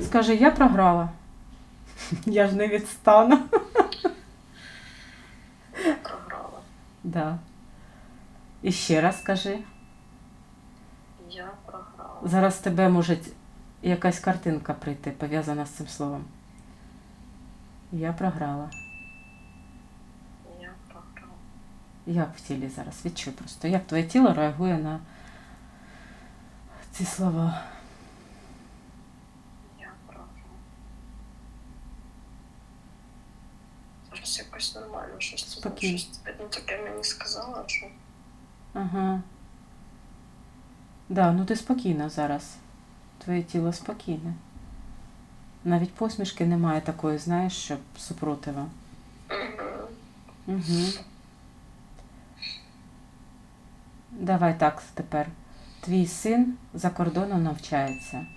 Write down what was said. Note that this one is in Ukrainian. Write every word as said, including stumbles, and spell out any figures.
Скажи, я програла. Я ж не відстану. Програла. Да. І ще раз скажи. Я програла. Зараз тебе може якась картинка прийти, пов'язана з цим словом. Я програла. Я програла. Як в тілі зараз? Відчуй просто. Як твоє тіло реагує на ці слова? Я програла. Зараз якось нормально щось це Спокійно. щось ну, таке мені сказала, що Ага. Да, ну ти спокійна зараз. Твоє тіло спокійне. Навіть посмішки немає такої, знаєш, щоб супротива. угу. Угу. Давай так тепер. Твій син за кордоном навчається.